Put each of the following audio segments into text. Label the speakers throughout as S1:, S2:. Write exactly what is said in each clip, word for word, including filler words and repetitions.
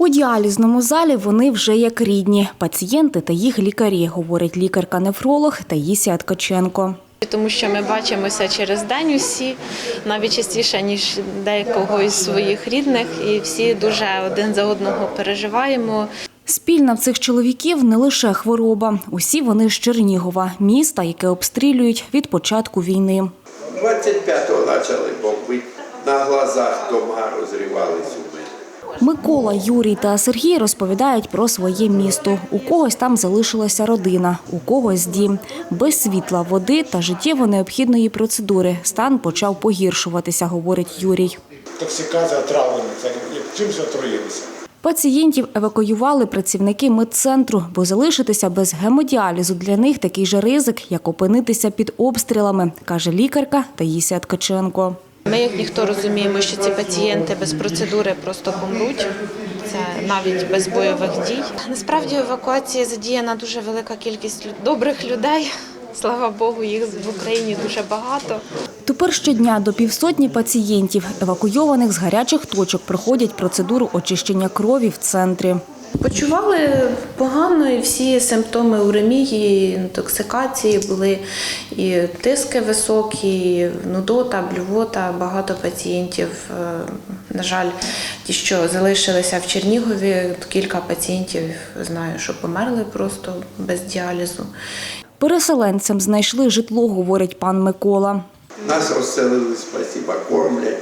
S1: У діалізному залі вони вже як рідні – пацієнти та їх лікарі, говорить лікарка-нефролог Таїсія Ткаченко.
S2: Тому що ми бачимося через день усі, навіть частіше, ніж декого із своїх рідних, і всі дуже один за одного переживаємо.
S1: Спільна в цих чоловіків не лише хвороба. Усі вони з Чернігова, міста, яке обстрілюють від початку війни.
S3: двадцять п'ятого почали бомбити, на глазах дома розривались у мене.
S1: Микола, Юрій та Сергій розповідають про своє місто. У когось там залишилася родина, у когось дім. Без світла, води та життєво необхідної процедури стан почав погіршуватися, говорить Юрій.
S4: Токсикація, травлення, це чимось отруїлися.
S1: Пацієнтів евакуювали працівники медцентру, бо залишитися без гемодіалізу для них такий же ризик, як опинитися під обстрілами, каже лікарка Таїсія Ткаченко.
S2: Ми, як ніхто, розуміємо, що ці пацієнти без процедури просто помруть. Це навіть без бойових дій. Насправді, в евакуації задіяна дуже велика кількість добрих людей. Слава Богу, їх в Україні дуже багато.
S1: Тепер щодня до півсотні пацієнтів, евакуйованих з гарячих точок, проходять процедуру очищення крові в центрі.
S2: Почували погано, і всі симптоми уремії, інтоксикації були, і тиски високі, і нудота, блювота. Багато пацієнтів, на жаль, ті, що залишилися в Чернігові, кілька пацієнтів, знаю, що померли просто без діалізу.
S1: Переселенцям знайшли житло, говорить пан Микола.
S3: Нас розселили, спасіба, кормлять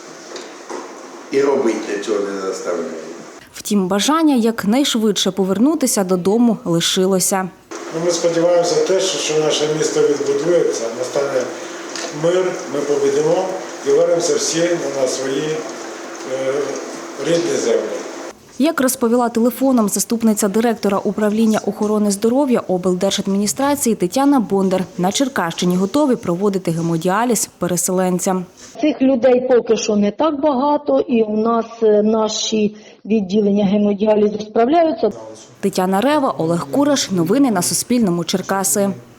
S3: і робити нічого не заставляють.
S1: Втім, бажання якнайшвидше повернутися додому лишилося.
S4: Ми сподіваємося те, що наше місто відбудується, настане мир, ми побідемо і вернемося всі на свої е, рідні землі.
S1: Як розповіла телефоном заступниця директора управління охорони здоров'я облдержадміністрації Тетяна Бондар, на Черкащині готові проводити гемодіаліз переселенцям.
S5: Цих людей поки що не так багато, і у нас наші відділення гемодіалізу справляються.
S1: Тетяна Рева, Олег Кураш. Новини на Суспільному. Черкаси.